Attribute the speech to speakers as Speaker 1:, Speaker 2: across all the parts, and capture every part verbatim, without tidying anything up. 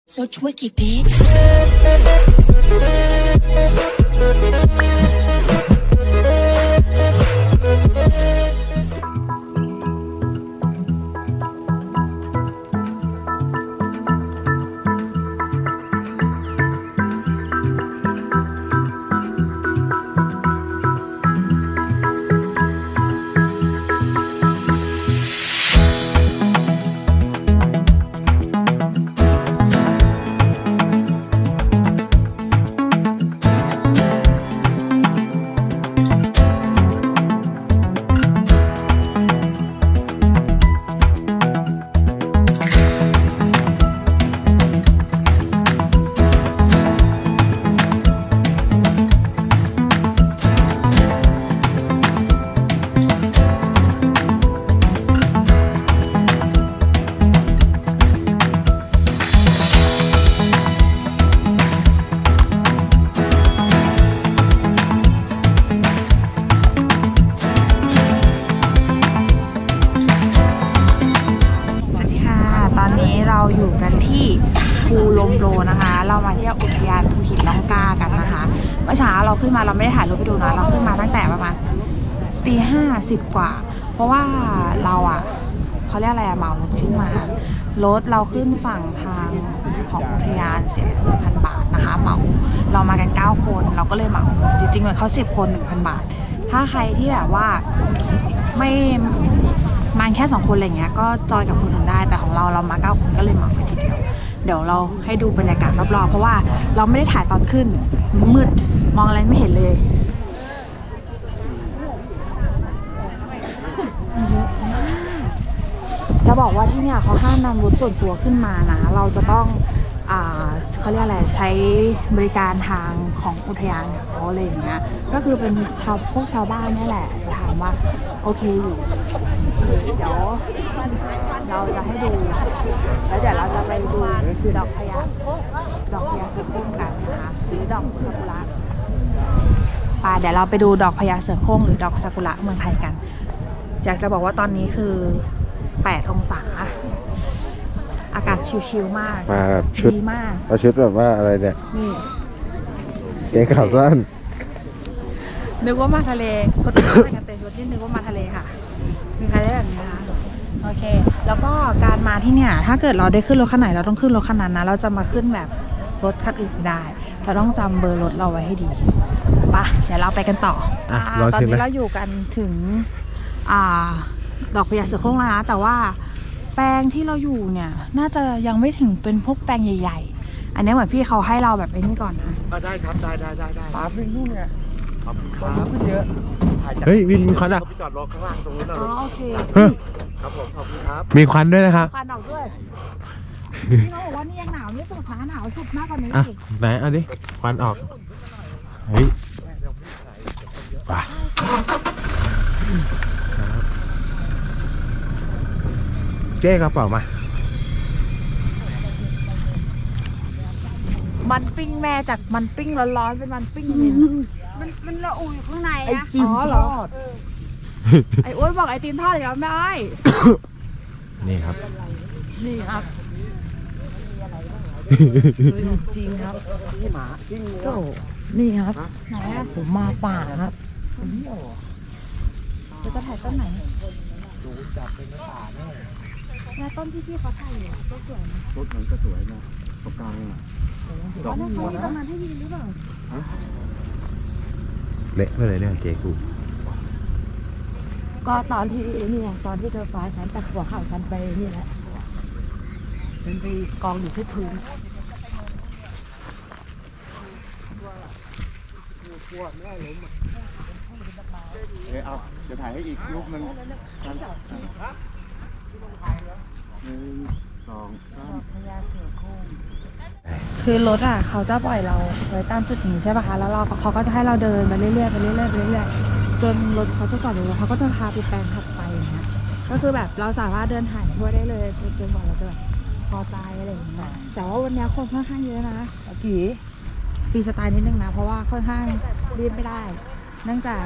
Speaker 1: So twicky, bitch. อยู่กันที่ภูลมโลนะคะเรามาเที่ยวอุทยานภูหินล่องกล้ากันนะคะเมื่อเช้าเราขึ้นมาเราไม่ได้ถ่ายรูปไปดูนะเราขึ้นมาตั้งแต่ประมาณตีห้าสิบกว่าเพราะว่าเราอ่ะเขาเรียกอะไรอะเหมารถขึ้นมารถเราขึ้นฝั่งทางของอุทยานเสียหนึ่งพันบาทนะคะเหมาเรามากันเก้าคนเราก็เลยเหมาจริงๆเหมือนเขาสิบคนหนึ่งพันบาทถ้าใครที่แบบว่าไม่มาแค่สองคนอะไรเงี้ยก็จอยกับคนอื่นได้แต่ของเราเรามาเก้าคนก็เลยเหมาไปทีเดียวเดี๋ยวเราให้ดูบรรยากาศรอบๆเพราะว่าเราไม่ได้ถ่ายตอนขึ้นมืดมองอะไรไม่เห็นเลยจะบอกว่าที่เนี่ยเขาห้ามนำรถส่วนตัวขึ้นมานะเราจะต้องอ่าเขาเรียกอะไรใช้บริการทางของอุทยานเขาอะไรอย่างเงี้ยก็คือเป็นชาวพวกชาวบ้านนี่แหละจะถามว่าโอเคอยู่เดี๋ยวเราจะให้ดูแล้วเดี๋ยวเราจะไปดูคือดอกพญาดอกพญาเสือโคร่งกันนะคะหรือดอกซากุระป่าเดี๋ยวเราไปดูดอกพญาเสือโคร่งหรือดอกซากุระเมืองไทยกันอยากจะบอกว่าตอนนี้คือแปดองศาอากาศชิลๆมาก
Speaker 2: มาแบบชุด
Speaker 1: ดีมาก
Speaker 2: เอาชุดแบบว่าอะไรเนี่ย
Speaker 1: นี่
Speaker 2: เกงขาสั้น
Speaker 1: นึกว่ามาทะเลคนอื่นใส่กันเต็มชุดที่นึกว่ามาทะเลค่ะมีใครได้แบบนี้นะคะโอเคแล้วก็การมาที่เนี่ยถ้าเกิดเราได้ขึ้นรถคันไหนเราต้องขึ้นรถคันนั้นนะเราจะมาขึ้นแบบรถคันอื่นไม่ได้เราต้องจำเบอร์รถเราไว้ให้ดีไปเดี๋ยวเราไปกันต่ออ่ะตอนนี้เราอยู่กันถึงอ่าดอกพญาเสือโคร่งแล้วนะแต่ว่าแปลงที่เราอยู่เนี่ยน่าจะยังไม่ถึงเป็นพวกแปลงใหญ่ๆอันนี้เหมือนพี่เขาให้เราแบบไอ้นี่ก่อนนะ
Speaker 3: ได้ครับได้ได้ได้ได้
Speaker 2: ปลาฟิงนู่นไง
Speaker 3: ขอบคุณครับขึ้นเยอะ
Speaker 2: เฮ้ยวินมีควันอ่ะ
Speaker 3: พี่จอดรอข้างล่างตรงนู้นนะ
Speaker 1: อ๋อโอเค
Speaker 3: ครับผมขอบคุณครับ
Speaker 2: มีควันด้วยนะครับ
Speaker 1: ควันออกด้วยพี่น้องบอกว่านี่ยังหนาวไม่สุดนะหนาวสุดมากกว่านี้อีก
Speaker 2: ไหนเอาดิควันออกเฮ้ยป่ะเจ๊กระเป๋ามา
Speaker 1: มันปิ้งแม่จากมันปิ้งร้อนๆเป็นมันปิ้งเย็น
Speaker 4: มันมันละอุอยู่ข้างในนะ
Speaker 1: อ๋อเหรอไอ้อ้วนบอกไอติมทอดอีกแล้วแม่อ้อย
Speaker 2: นี่ครับ
Speaker 1: นี่ครับจริงครับ
Speaker 3: ที่หมาที่งู
Speaker 1: โจ้นี่ครับไหนผมมาป่าครับจะถ่ายต้นไหน
Speaker 3: ดูจับเป็นป่าแน่
Speaker 1: แม่ต้นที่พี่เขาถ่ายอยู่ต้นสวยนะ
Speaker 3: ต้นมันจะสวยนะตรงกลางเนี่ย
Speaker 1: ดอกบัวนะประมาณให้ยืนหรือเปล่า
Speaker 2: เละไปเลยเนี่ยเจ๊กู
Speaker 4: ก็ตอนที่นี่ตอนที่เธอฟ้าฉันแต่หัวเข่าฉันไปนี่แหละฉันไปกองอยู่ที่พื้น
Speaker 3: กลัวแม่ล้มอ่ะเดี๋ยวเอาเดี๋ยวถ่ายให้อีกรูปนึงหนึ่งสองสาม
Speaker 4: พญาเสือโคร่ง
Speaker 1: คือรถอ่ะเขาจะปล่อยเราไว้ตามจุดนี้ใช่ป่ะคะแล้วเราเขาก็จะให้เราเดินไปเรื่อยๆไปเรื่อยๆไปเรื่อยๆจนรถเขาจะจอดอยู่เขาก็จะพาไปแปลงถัดไปอย่างเงี้ยก็คือแบบเราสามารถเดินถ่ายทั่วได้เลยจนกว่าเราจะแบบพอใจอะไรอย่างเงี้ยแต่ว่าวันนี้คนค่อนข้างเยอะนะกี่ฟรีสไตล์นิดนึงนะเพราะว่าค่อนข้างรีบไม่ได้เนื่องจาก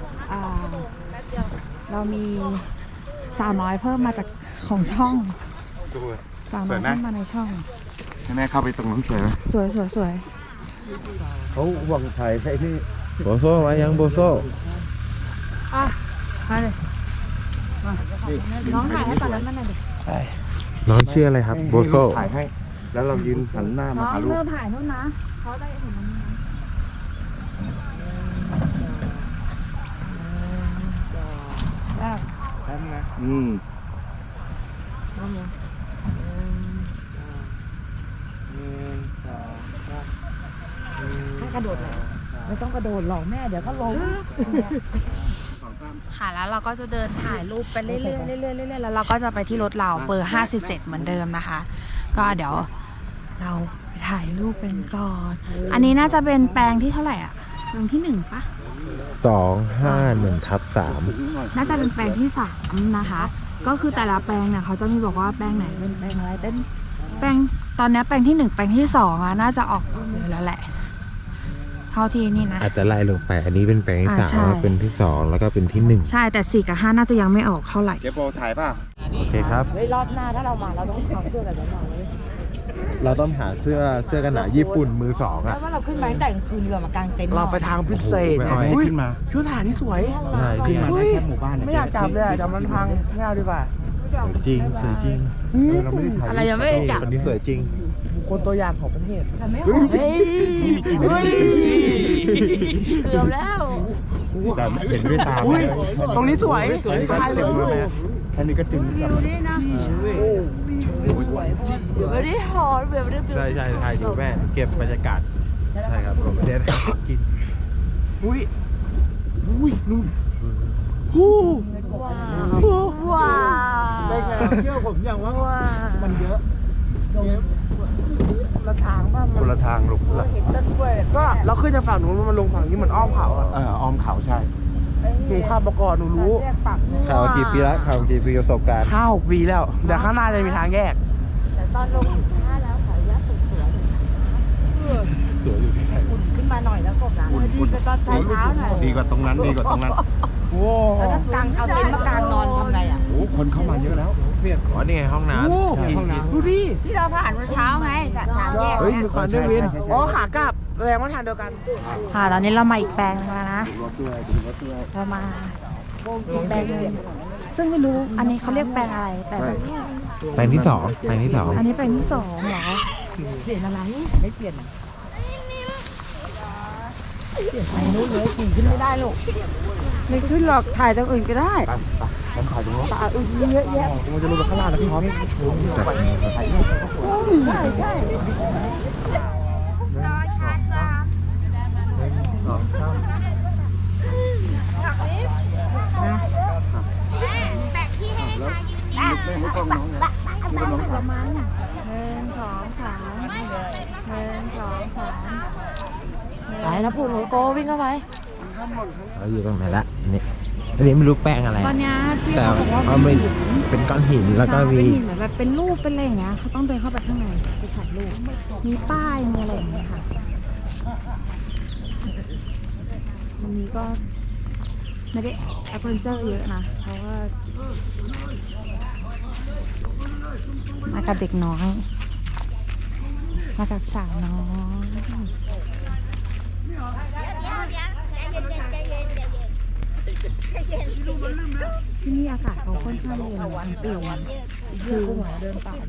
Speaker 1: เรามีสาวน้อยเพิ่มมาจากของช่องสาวน้อยเพิ่มมาในช่อง
Speaker 3: ให้แม่เข้าไปตรงนั้นสวยไหม
Speaker 1: สวยสวยสวย
Speaker 3: เขาหวังถ่ายให้ที่
Speaker 2: โบโซ่มายังโบโซ่
Speaker 1: อ่ะมาเลยมาน้องถ่ายให้ก่อนแล้วมันหน่อยดิ
Speaker 2: น้องชื่ออะไรครับโบโซ่
Speaker 3: ถ่ายให้ แล้วเรายืนหันหน้ามา
Speaker 1: น้อง
Speaker 3: หาลูก
Speaker 1: เริ่มถ่ายนู่นนะเขาได้เห็นมันนะแซ่บ
Speaker 3: แป๊บนะอืม
Speaker 4: ให้กระโดดเลยไม่ต้องกระโดดหรอกแม่เดี๋ยวก็ล้ม
Speaker 1: ค่ะแล้วเราก็จะเดินถ่ายรูปไปเรื่อยๆเรื่อยๆเรื่อยๆแล้วเราก็จะไปที่รถเราเบอร์ห้าสิบเจ็ดเหมือนเดิมนะคะ ก็เดี๋ยวเราไปถ่ายรูปเป็นก่อน อันนี้น่าจะเป็นแปลงที่เท่าไหร่อ่ะแปลงที่หนึ่งปะ
Speaker 2: สองห้าหนึ่งทับสาม
Speaker 1: น่าจะเป็นแปลงที่สามนะคะ ก็คือแต่ละแปลงเนี่ยเขาจะมีบอกว่าแปลงไหนเป็นแปลงอะไรเป็นแปลงตอนนี้แปลงที่หนึ่งแปลงที่สองอ่ะน่าจะออกดอกเยอะแล้วแหละเท่าที่นี่นะ
Speaker 2: อาจจะไล่ลงไปอันนี้เป็นแปลงที่
Speaker 1: อ่า
Speaker 2: สาม
Speaker 1: ใช่
Speaker 2: แล้วเป็นที่สองแล้วก็เป็นที่หนึ่ง
Speaker 1: ใช่แต่สี่กับห้าน่าจะยังไม่ออกเท่าไหร่
Speaker 3: เจ๊โปถ่ายป่ะ
Speaker 2: โอเคครับ
Speaker 4: เฮ้ยรอบหน้าถ้าเรามาเราต้องเอาเสื้อแบบนั้นมาเลย
Speaker 2: เราต้องหาเสื้อเสื้อกันหนาวญี่ปุ่นมือสอง
Speaker 4: เพ
Speaker 2: อ่ะ
Speaker 4: ราะว่าเราขึ้นมาตั้งแต่กลางคืนเรือมากางเต็นท์
Speaker 5: เราไปทางพิเศษ
Speaker 2: โอ้โหไม่เอาให้
Speaker 5: อุ้ย
Speaker 3: ขึ้นมา
Speaker 5: ชุดทหารนี่สวย
Speaker 2: ใช่
Speaker 3: ขึ้
Speaker 2: ที่
Speaker 3: นมา
Speaker 5: อุ้
Speaker 3: ได้
Speaker 5: ย
Speaker 3: แค่หมู่บ้านเนี่ย
Speaker 5: ไม่อยากจับเลยอะเดี๋ยวมันพังไม่เอาดีกว่า
Speaker 2: สวยจริงสวยจริง
Speaker 3: เออเราไม่ได้ถ่าย
Speaker 1: อะไรยังไม่ได้จับ
Speaker 2: คนนี้สวยจริง
Speaker 5: บุคคลตัวอย่างของประเทศ
Speaker 3: เฮ้ย
Speaker 4: เฮ้ย
Speaker 5: เฮ้ย
Speaker 4: เกือบแล้ว
Speaker 3: แต่เห็นด้วยตา
Speaker 5: อุ้ยตรงนี้สวย
Speaker 3: แค่นี้ก็
Speaker 5: ถ่ายเล
Speaker 3: จึ
Speaker 5: ย
Speaker 3: งแล้วแม่แค่นี้ก็จึงแบบ
Speaker 4: นี่นะ
Speaker 5: โอ้
Speaker 4: ไม่ได้หอนแบบไม่ได้
Speaker 2: ใช่ใช่ถ่ายดูแม่เก็บบรรยากาศใช่ครับผมไม่ได้กิน
Speaker 5: อุ้ยอุ้ยนู่นฮู้
Speaker 4: ว้า
Speaker 5: ฮู้
Speaker 4: วว้า
Speaker 3: ไม่ไงเชื่อผมอย่างว่า
Speaker 4: ว้า
Speaker 3: มันเยอะ
Speaker 5: ละทางบ้าง
Speaker 3: คนละทางลูก
Speaker 4: เห็นต้นกล้วย
Speaker 5: ก็เราขึ้นจากฝั่งนู้นมันลงฝั่งนี้เหมือนอ้อมเขาอะ
Speaker 3: เอออ้อมเขาใช่
Speaker 5: หนูข้ามประกอบหนูรู้
Speaker 4: เรียกปาก
Speaker 2: ข่าวกี่ปีแล้วข่าวกี่ปีประสบการณ์
Speaker 5: ห้าหกปีแล้วเดี๋ยวข้างหน้าจะมีทางแยก
Speaker 4: แต่ตอนลงห้าแล้วขายยาสุดสวย
Speaker 2: สวยอยู่ที่ไหน
Speaker 4: อุ่นขึ้นมาหน่อยแล้วกบนะดีกว่าตอนเช้าหน่อย
Speaker 3: ดีกว่าตรงนั้นดีกว่าตรงนั้น
Speaker 5: โอ้
Speaker 4: แล้วถ้ากางเอาเต็นท์มากางนอนทำไงอ่ะ
Speaker 3: โอ้คนเข้ามาเยอะแล้ว
Speaker 2: อ๋อนี่ไงห้องน้ำ
Speaker 5: โห
Speaker 2: ใช่ห้องน้ำ
Speaker 5: ดูดิ
Speaker 4: ที่เราผ่านเมื่อเช้าไงจากทางแยก
Speaker 5: เฮ้ยมีควันด้วยวิน
Speaker 3: ใช่ใช่ใช่
Speaker 5: อ๋อขากลับแสดงว่าทางเดียวกัน
Speaker 1: ค่ะตอนนี้เรามาอีกแปลงนึงแล้วนะ
Speaker 3: รถด้วยดูรถด้วย
Speaker 1: เรามาอีกแปลงนึงซึ่งไม่รู้อันนี้เขาเรียกแปลงอะไร แต่
Speaker 3: ใช่
Speaker 2: แปลงที่สองแปลงที่สอง
Speaker 1: อันนี้แปลงที่สองเหรอ
Speaker 4: เปลี่ยนอะไรไม่เปลี่ยนเปลี่ยนไปนู้นเลยขี่ขึ้นไม่ได้ลูกไม่ขึ้นหรอกถ่ายตรงอื่นก็ได้
Speaker 3: ไปไปฉันถ่ายตรงนู้น
Speaker 4: ตาอื่นเยอะแยะ
Speaker 5: มันจะลงไปข้างล่างแล้วพี่พร้อม
Speaker 4: ใช่ใช่
Speaker 3: ไม่ไม่ต้องน้องนะไม่ต้องน้องถาม
Speaker 1: หนึ่งสองสามหนึ่งสองสาม
Speaker 4: ไหนนะปู่หนูโกวิ่งเข้าไป
Speaker 2: เขาอยู่ตรงไหนละนี่อันนี้ไม่รู้แป้งอะไร
Speaker 1: ตอนเนี้ยพี่
Speaker 2: แต่
Speaker 1: เขาบอกว่า
Speaker 2: เขาไม่เป็นก้อนหินแล้วก็มี
Speaker 1: เป็นหินเหมือนแบบเป็นรูปเป็นอะไรอย่างเงี้ยเขาต้องเดินเข้าไปข้างในไปถ่ายรูปมีป้ายมีอะไรอย่างเงี้ยค่ะวันนี้ก็ไม่ได้แอปเปิลเจอร์เยอะนะเพราะว่ามากับเด็กน้อยมากับสาวน้อยที่นี่อากาศเขาค่อนข้างเย็นทั้งปีคือเดินป่า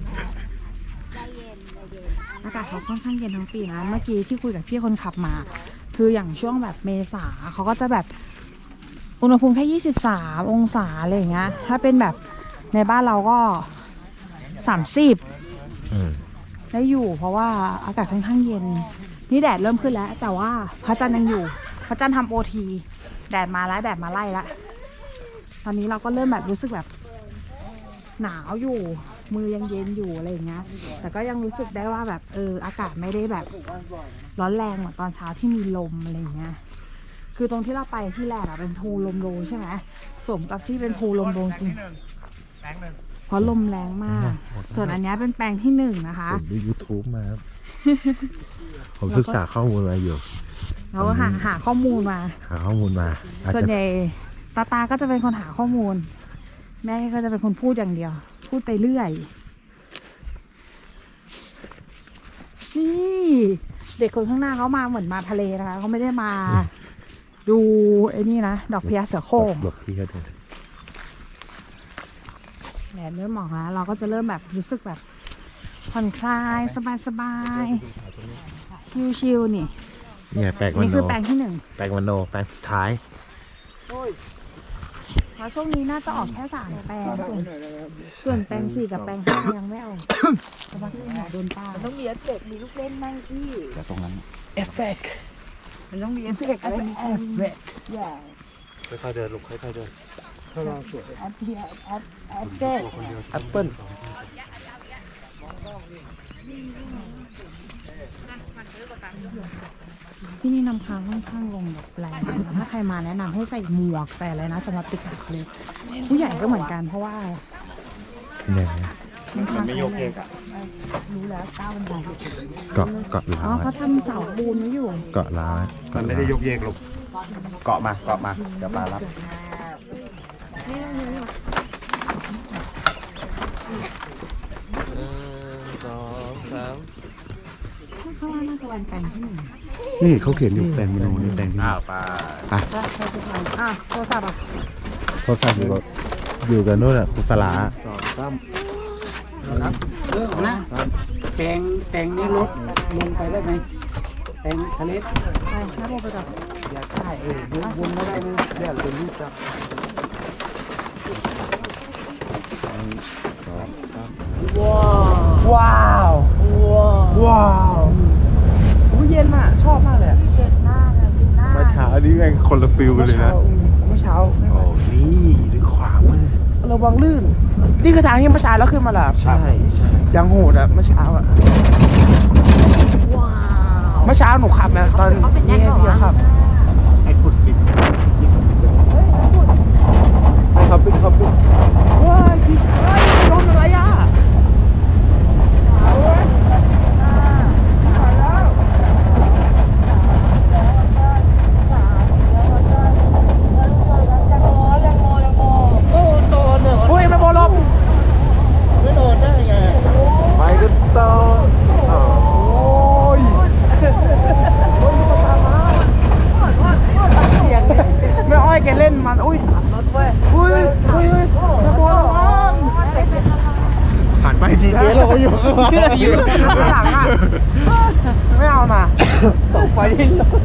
Speaker 1: อากาศเขาค่อนข้างเย็นทั้งปีนะเมื่อกี้ที่คุยกับพี่คนขับมา คืออย่างช่วงแบบเมษาเขาก็จะแบบอุณหภูมิแค่ยี่สิบสามองศาอะไรอย่างเงี้ยถ้าเป็นแบบในบ้านเราก็สามสิบ
Speaker 2: อืม
Speaker 1: ได้อยู่เพราะว่าอากาศค่อนข้างเย็นนี่แดดเริ่มขึ้นแล้ว แต่ว่าพระจันทร์ยังอยู่พระจันทร์ทำโอทีแดดมาแล้วแดดมาไล่แล้วตอนนี้เราก็เริ่มแบบรู้สึกแบบหนาวอยู่มือยังเย็นอยู่อะไรอย่างเงี้ยแต่ก็ยังรู้สึกได้ว่าแบบเอออากาศไม่ได้แบบร้อนแรงเหมือนตอนเช้าที่มีลมอะไรอย่างเงี้ยคือตรงที่เราไปที่แรกอะเป็นภูลมโลใช่ไหมสมกับที่เป็นภูลมโลจริงเพราะลมแรงมาก ส่วนอันนี้เป็นแปลงที่หนึ่งนะคะ
Speaker 2: ผมดู YouTube มาครับ ผมศึกษาข้อมูลมาอยู่
Speaker 1: เราก็หาหาข้อมูลมา
Speaker 2: หาข้อมูลมาอาจ
Speaker 1: ส่วน
Speaker 2: จะ
Speaker 1: ใหญ่ตาตาก็จะเป็นคนหาข้อมูล แม่ก็จะเป็นคนพูดอย่างเดียว พูดไปเรื่อยนี่เด็กคนข้างหน้าเขามาเหมือนมาทะเลนะคะเขาไม่ได้มาดูไอ้นี่นะดอกพญาเสือโคร่ง
Speaker 2: หลบพี่ก็ได้
Speaker 1: แดดเริ่มออกแล้วเราก็จะเริ่มแบบรู้สึกแบบผ่อนคลายสบายๆชิลๆนี่
Speaker 2: เนี่ยแปลงวัน
Speaker 1: นี่
Speaker 2: โน
Speaker 1: คือแปลงที่หนึ่ง
Speaker 2: แปลงวันโนแปลงสุดท้าย
Speaker 1: แล้วช่วงนี้น่าจะออกแค่สามแปลงส่วนส่วนแปลงสี่กับแปลงห้ายังไม่ออกเพราะว่าที่หาโดนป้า
Speaker 4: ต้องมีเอฟเฟกต์มีลูกเล่นไหมพี่
Speaker 3: แต่ตรงนั้น
Speaker 5: เอฟเฟกต์
Speaker 4: มันต้องมีเอฟเฟกต์อะไรเอฟเฟกต์อย่า
Speaker 2: ค่อยๆเดินลูกค่อยๆเดิน
Speaker 4: แอปเพียแอปแอปเฟกต์
Speaker 5: แอปเปิ้ล
Speaker 1: ที่นี่น้ำค้างค่อนข้างลงแบบแรงนะคะถ้าใครมาแนะนำให้ใส่หมวกใส่อะไรนะสำหรับติดกับทะเลผู้ใหญ่ก็เหมือนกันเพราะว่า
Speaker 2: เนี่ย
Speaker 1: น้ำค้าง
Speaker 3: ไม่โยกเยกอ่ะ
Speaker 4: รู้แล้วก้าวบันได
Speaker 2: เกาะเกาะ
Speaker 1: อ๋
Speaker 2: ล้า
Speaker 1: อ
Speaker 2: ว
Speaker 1: เขาทำเสาปูนไว้อยู่
Speaker 2: เกาะล้าว
Speaker 3: มันไม่ได้โยกเยกลูกเกาะมาเกาะมาเดี๋ยวปลารับ
Speaker 5: สองสาม
Speaker 1: ข้างล่างน่าจะเป็นแปลงที่หนึ่ง
Speaker 3: นี่เขาเขียนอยู่แปลงมโนนี่แปลงที่
Speaker 2: อ้าวปลา
Speaker 1: แล้วใครจะทำอ่ะโทรศัพท์อ่ะ
Speaker 2: โทรศัพท์อยู่กับอยู่กับนู่นอ่ะครูสลา
Speaker 3: สองสาม
Speaker 6: นะแปลงแปลงนี้ลดลงไปได้ไหมแปลงทะเล
Speaker 1: ไปน้าโบไปก่อน
Speaker 6: อยากได้เออวนมาได้ไหม
Speaker 3: เรียกเป็นรูปจับ
Speaker 5: ว้าวว้าวโอ้เย็นอ่ะชอบมากเลยอะ
Speaker 1: เด็ดหน้าเลยดินหน้า
Speaker 2: เมื่อเช้านี่แม่งคนละฟิลกันเลยนะ
Speaker 5: เมื่อเช้า
Speaker 2: โอ้นี่ด้วยขวามือ
Speaker 5: ระวังลื่น นี่คือทางที่เมื่อเช้าแล้วขึ้นมาเหรอ
Speaker 2: ใช่ใช่
Speaker 5: ยังโหดอ่ะเมื่อเช้าอ่ะ
Speaker 1: ว้าว
Speaker 5: เมื่อเช้าหนูขับนะตอนนี้พี่ขับ
Speaker 2: ไอ้ขุดปิด
Speaker 5: ขับปิดขับปิดว้ายพี่ชายโดนอะไรอ่ะโอ้ยไม่บอลลบไม่โดนได้ไง
Speaker 2: ไปกันต่ออ้าว
Speaker 5: โอ้ยไม่อ้อยแกเล่นมันอุ้ยรถเว้ยอุ้ยอุ้ยอุ้ยไม่บอลลบ
Speaker 2: ผ่านไปทีเดียวเราก็อยู่ข้างหลัง
Speaker 5: อยู่ข้างหลังอ่ะไม่เอานะตกไปที่รถ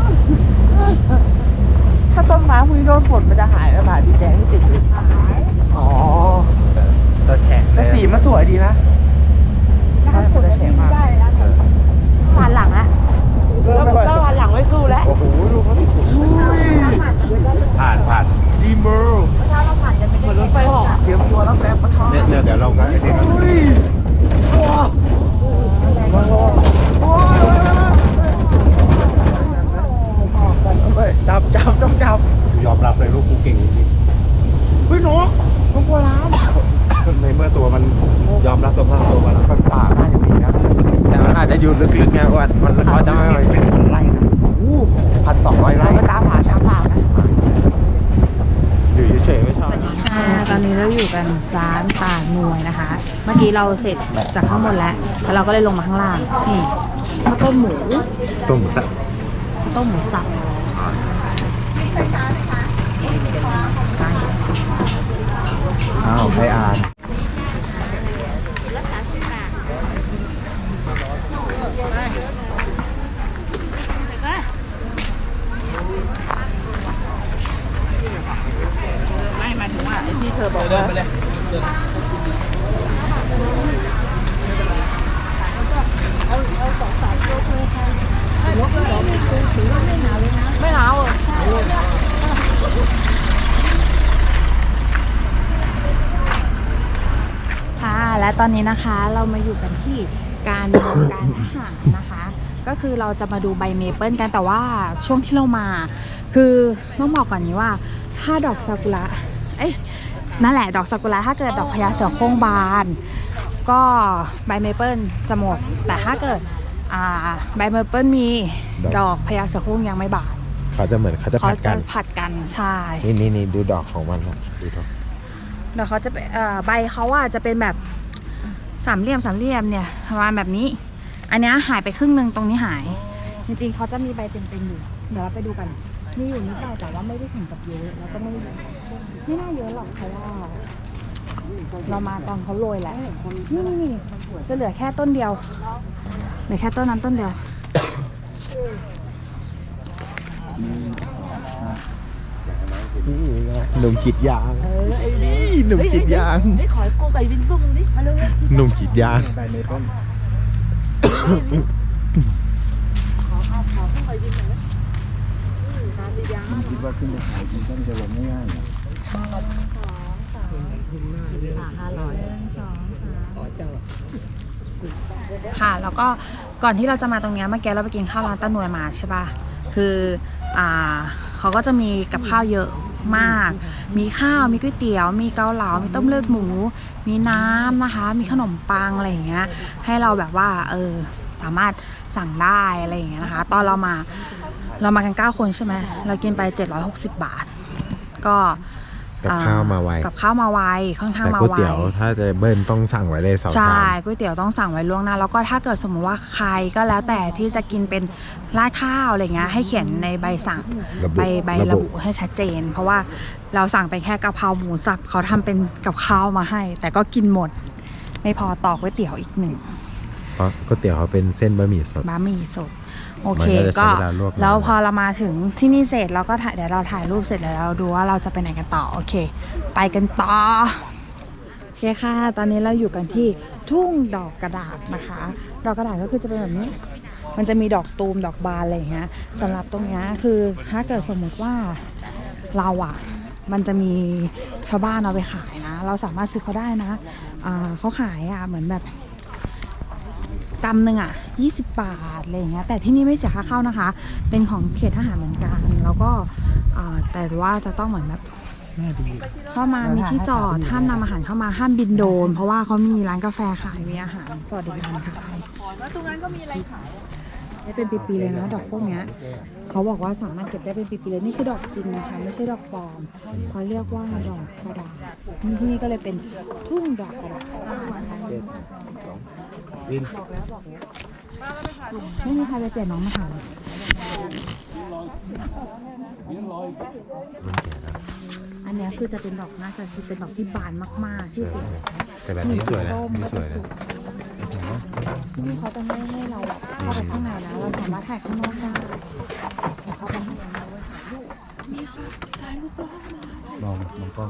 Speaker 5: ถ้าต้นไม้พวกนี้โดนฝนมันจะหายแล้วผ่านดีแดงที่ติดอยู่อ๋อ
Speaker 2: ตัวแข็ง
Speaker 5: แต่สีมันสวยดีนะมันจะแฉะมาก
Speaker 1: ผ่านหลังละ
Speaker 5: แล้วแล้วผ่านหลังไม่สู้แล้ว
Speaker 2: โอ้โหดูเขาดิผ่านผ่าน
Speaker 5: ดีเมอร์
Speaker 4: เหมือนรถไฟเหาะ
Speaker 5: เตรียมตัวแล้วแป๊บมาทำ
Speaker 2: เนี่ยเนี่ยเดี๋ยวเราก็ไอ้นี่กัน
Speaker 5: อุ้ยว้าวโอ้ยจับจับจับจับ
Speaker 2: ยอมรับเลยลูกกูเก่งจริง
Speaker 5: เฮ้ยนกนกบัวล้าน
Speaker 2: ๆในเมื่อตัวมันยอมรับสภาพตัวมัน
Speaker 3: มันป่าน่าจะมีนะ
Speaker 2: แต่มันอาจจะอยู่ลึกๆไงว่ามันเขาจะไม่
Speaker 3: เป็นพันไร่นะอู้พันสองร้อยไร่
Speaker 5: ไปตามหาช้างป่าไหม
Speaker 2: อยู่เฉยๆไม่ชอบ
Speaker 1: ค่ะตอนนี้เราอยู่กันร้านป่าหน่วยนะคะ เมื่อกี้เราเสร็จจากข้างบนแล้วแล้วเราก็เลยลงมาข้างล่างนี่ข้าวต้มหมู
Speaker 2: ต้มสับ
Speaker 1: ต้มหมูสับ
Speaker 3: อ้าวใครอ่าน
Speaker 4: ไม่หมายถึงว่าไอ้ที่เธอบอกว่า ไม่เอาอ่ะ
Speaker 1: ค่ะและตอนนี้นะคะเรามาอยู่กันที่การเมืองการทหารนะคะ ก็คือเราจะมาดูใบเมเปิลกันแต่ว่าช่วงที่เรามา คือต้องบอกก่อนนี้ว่าถ้าดอกซากุระเอ้ยนั่นแหละดอกซากุระถ้าเกิดดอกพญาเสือโคร่งบาน ก็ใบเมเปิลจะหมด แต่ถ้าเกิดอ่าใบเมเปิลมีดอกพญาเสือโคร่งยังไม่บาน
Speaker 2: เขาจะเหมือนเขาจะ
Speaker 1: เขา
Speaker 2: ผัดกั
Speaker 1: จะ
Speaker 2: น
Speaker 1: ผัดกันใช่
Speaker 2: นี่นี่นี่ดูดอกของมันนะดูดอก
Speaker 1: เดี๋ยวเขาจะเป็นเอ่อใบเขาอ่ะจะเป็นแบบสามเหลี่ยมสามเหลี่ยมเนี่ยประมาณแบบนี้อันนี้หายไปครึ่งหนึ่งตรงนี้หาย จริงๆเขาจะมีใบเต็มๆอยู่เดี๋ยวเราไปดูกันมีอยู่นิดหน่อยแต่ว่าไม่ได้ถึงกับเยอะแล้วก็ไม่ไม่น่าเยอะหรอกเพราะว่าเรามาตอนเขาโรยแหละนี่นี่นี่จะเหลือแค่ต้นเดียวเหลือแค่ต้นนั้นต้นเดียว
Speaker 2: หนุ่มกรีดยาง
Speaker 4: เออไอ้นี่
Speaker 2: หนุ่มกรีดยาง
Speaker 4: ไอ้ขอยกูไก่บินซุ่มดิมาเลย
Speaker 2: หนุ่มกรีดยาง
Speaker 3: ใบเมเปิ้ล
Speaker 4: ขอเอาขอไก่บินหน่อยตาสียาง
Speaker 3: คิดว่าขึ้นไปขายจริงก็มันจะลงง่ายๆนะ
Speaker 4: ห้าร้อย
Speaker 1: ค่ะแล้วก็ก่อนที่เราจะมาตรงนี้เมื่อกี้เราไปกินข้าวร้านตาหน่วยมาใช่ปะคืออ่าเขาก็จะมีกับข้าวเยอะมาก มีข้าวมีก๋วยเตี๋ยวมีเกาเหลามีต้มเลือดหมู มีน้ำนะคะ มีขนมปังอะไรอย่างเงี้ยให้เราแบบว่าเออสามารถสั่งได้อะไรอย่างเงี้ยนะคะตอนเรามาเรามากันเก้าคนใช่ไหมเรากินไปเจ็ดร้อยหกสิบบาทก็
Speaker 2: กับข้าวมาไว
Speaker 1: กับข้าวมาไวค่อนข้าง
Speaker 2: แต่
Speaker 1: มา
Speaker 2: ก๋วย
Speaker 1: ไว
Speaker 2: เตี๋ยวถ้าจะเบิ้ลต้องสั่งไว้เลยสองชา
Speaker 1: ใช่
Speaker 2: ม
Speaker 1: ก๋วยเตี๋ยวต้องสั่งไว้ล่วงหน้าแล้วก็ถ้าเกิดสมมติว่าใครก็แล้วแต่ที่จะกินเป็นราดข้าวอะไรเงี้ยให้เขียนในใบสั่ง
Speaker 2: ระบุ
Speaker 1: ใบใบ
Speaker 2: ระ
Speaker 1: ระ
Speaker 2: บุ
Speaker 1: บุให้ชัดเจน เพราะว่าเราสั่งเป็นแค่กะเพราหมูสับเขาทำเป็นกับข้าวมาให้ แต่ก็กินหมดไม่พอต่อก๋วยเตี๋ยวอีกหนึ่ง
Speaker 2: เพราะก๋วยเตี๋ยวเขาเป็นเส้นบะหมี่สด
Speaker 1: บะหมี่สดโอเค
Speaker 2: มันก็จะใช้
Speaker 1: ก็
Speaker 2: เวลาลวกนาน
Speaker 1: แล้วพอเรามาถึงที่นี่เสร็จเราก็ถ่ายเดี๋ยวเราถ่ายรูปเสร็จแล้วเราดูว่าเราจะไปไหนกันต่อโอเค ไปกันต่อโอเคค่ะตอนนี้เราอยู่กันที่ทุ่งดอกกระดาษนะคะ ดอกกระดาษก็คือจะเป็นแบบนี้ มันจะมีดอกตูมดอกบานอะไรอย่างเงี้ยสำหรับตรงเนี้ยคือถ้าเกิดสมมติว่าเราอะมันจะมีชาวบ้านเอาไปขายนะ เราสามารถซื้อเขาได้นะอ่าเขาขายอะเหมือนแบบกำหนึ่งอ่ะยี่สิบบาทอะไรอย่างเงี้ยแต่ที่นี่ไม่เสียค่าเข้านะคะ เป็นของเขตทหารเหมือนกันแล้วก็อ่าแต่ว่าจะต้องเหมือนแบบเข้ามามีที่จอดห้ามนำอาหารเข้ามาห้ามบินโดรนเพราะว่าเขามีร้านกาแฟขายมีอาหารสวัสดิการขายแล้วตรงนั้นก็มีอะไรขายได้เป็นปีๆเลยนะดอกพวกเนี้ยเขาบอกว่าสามารถเก็บได้เป็นปีๆเลยนี่คือดอกจริงนะคะไม่ใช่ดอกปลอมเขาเรียกว่าดอกกระดาษที่นี่ก็เลยเป็นทุ่งดอกกระดาษไม่มีใครไปเปลี่ยนน้องมาหาอันนี้คือจะเป็นดอกน่าจะคือเป็นดอกที่บานมากๆที่สวย
Speaker 2: แต่แบบนี้สวยนะ
Speaker 1: ส้ม
Speaker 2: นี่
Speaker 1: ก็
Speaker 2: สวย
Speaker 1: จะ
Speaker 2: นะ
Speaker 1: นี่เขาจะไม่ให้เราเข้าไปข้างในนะเราสามารถถ่ายข้างนอกได้เข้าไปข้างในนี่ค่ะถ่ายรูปรอบนะ
Speaker 2: มองมองกล้อง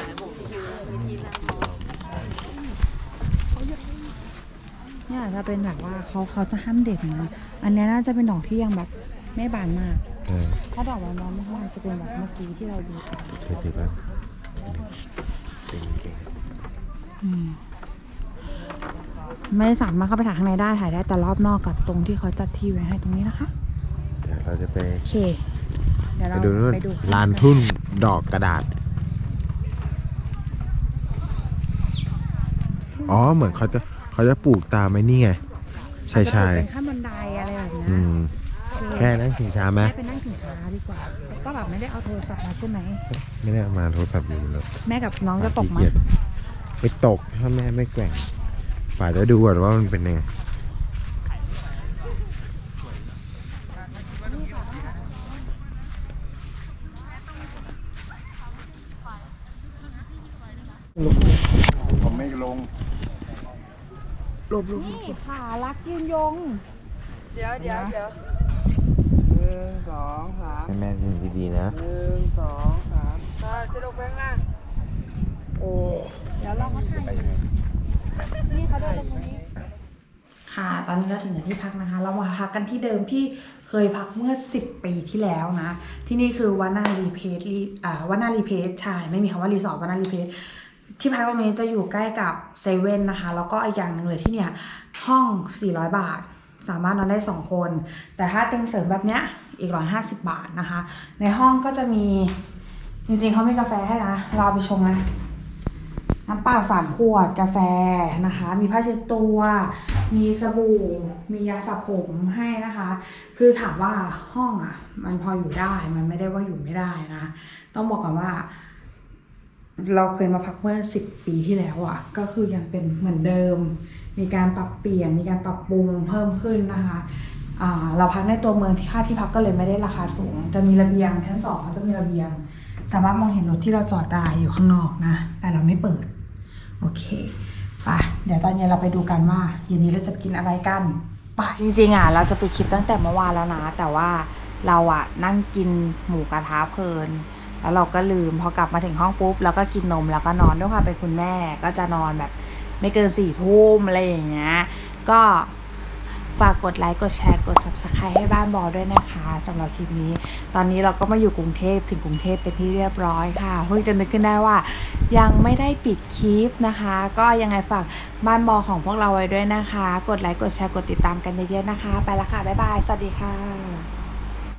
Speaker 1: เนี่ยจะเป็นแบบว่าเขาเขาจะห้ามเด็กนะอันนี้น่าจะเป็นดอกที่ยังแบบไม่บานมาก
Speaker 2: เออ
Speaker 1: ถ้าดอกบานๆมากๆจะเป็นแบบเมื่อกี้ที่เราดูกัน
Speaker 2: เท่ๆบ้างเก่ง
Speaker 1: อืมไม่สามารถเข้าไปถ่ายข้างในได้ถ่ายได้แต่รอบนอกกับตรงที่เขาจัดที่ไว้ให้ตรงนี้นะคะ
Speaker 2: ๆเดี๋ยวเราจะไป
Speaker 1: โอเค เดี๋ยว
Speaker 2: ไป
Speaker 1: เรา
Speaker 2: ดูนู่น
Speaker 1: ไปดู
Speaker 2: ลานทุ่นดอกกระดาษ อ๋อเหมือนเขาจะเขาจะปลูกตามไอ้นี่ไงชายชาย
Speaker 1: เป็นขั้นบันไดอะไรแบบนี้
Speaker 2: อืมแค่นั่งชิงช้าไหม
Speaker 1: แม่ไปนั่งถึงช้าดีกว่าก็แบบไม่ได้เอาโทรศัพท์มาใช่ไหม
Speaker 2: ไม่ได้เอามาโทรศัพท์อยู่แล้ว
Speaker 1: แม่กับน้องจะตกไหม
Speaker 2: ขี้เยจไปตกถ้าแม่ไม่แกว่งป่าจะดูก่อนว่ามันเป็นยังไง
Speaker 3: ผมไม่ลง
Speaker 1: นี่ขารักยืนยง
Speaker 5: เดี๋ยวเดี๋ยวเดี๋ยวหนึ่งสองสาม
Speaker 2: ให้แม่ดูดีๆนะ
Speaker 5: หนึ่งสองสามอ่าจะลงไปข้างล่างโอ้
Speaker 1: เดี๋ยวเรามาถ่ายนี่เขาเดินตรงนี้ค่ะ ตอนนี้เราถึงที่พักนะคะ เรามาพักกันที่เดิมที่เคยพักเมื่อสิบปีที่แล้วนะ ที่นี่คือวานารีเพสรีอ่าวานารีเพสใช่ไม่มีคำว่ารีสอร์ทวานารีเพสที่พักตรงนี้จะอยู่ใกล้กับเซเว่นนะคะ แล้วก็อีกอย่างหนึ่งเลยที่เนี่ยห้องสี่ร้อยบาท สามารถนอนได้สองคน แต่ถ้าเตียงเสริมแบบเนี้ยอีกหนึ่งร้อยห้าสิบบาทนะคะ ในห้องก็จะมีจริงๆเขามีกาแฟให้นะเราไปชงนะน้ำเปล่าสามขวดกาแฟนะคะ มีผ้าเช็ดตัว มีสบู่มียาสระผมให้นะคะ คือถามว่าห้องอ่ะมันพออยู่ได้มันไม่ได้ว่าอยู่ไม่ได้นะต้องบอกก่อนว่า เราเคยมาพักเมื่อสิบปีที่แล้วอ่ะก็คือยังเป็นเหมือนเดิมมีการปรับเปลี่ยนมีการปรับปรุงเพิ่มขึ้นนะคะอ่าเราพักในตัวเมืองที่ค่าที่พักก็เลยไม่ได้ราคาสูงจะมีระเบียงชั้นสองเขาจะมีระเบียงสามารถมองเห็นรถที่เราจอดได้อยู่ข้างนอกนะแต่เราไม่เปิดโอเคไปเดี๋ยวตอนเย็นเราไปดูกันว่าเย็นนี้เราจะกินอะไรกันไปจริงๆอ่ะเราจะไปคลิปตั้งแต่เมื่อวานแล้วนะแต่ว่าเราอ่ะนั่งกินหมูกระทะเพลินแล้วเราก็ลืมพอกลับมาถึงห้องปุ๊บแล้วก็กินนมแล้วก็นอนด้วยความเป็นคุณแม่ก็จะนอนแบบไม่เกินสี่ทุ่มอะไรอย่างเงี้ยก็ฝากกดไลค์กดแชร์กด ซับสไครบ์ ให้บ้านบอด้วยนะคะสำหรับคลิปนี้ตอนนี้เราก็มาอยู่กรุงเทพถึงกรุงเทพเป็นที่เรียบร้อยค่ะเพิ่งจะนึกขึ้นได้ว่ายังไม่ได้ปิดคลิปนะคะก็ยังไงฝากบ้านบอของพวกเราไว้ด้วยนะคะกดไลค์กดแชร์กดติดตามกันเยอะๆนะคะไปละค่ะบ๊ายบายสวัสดีค่ะ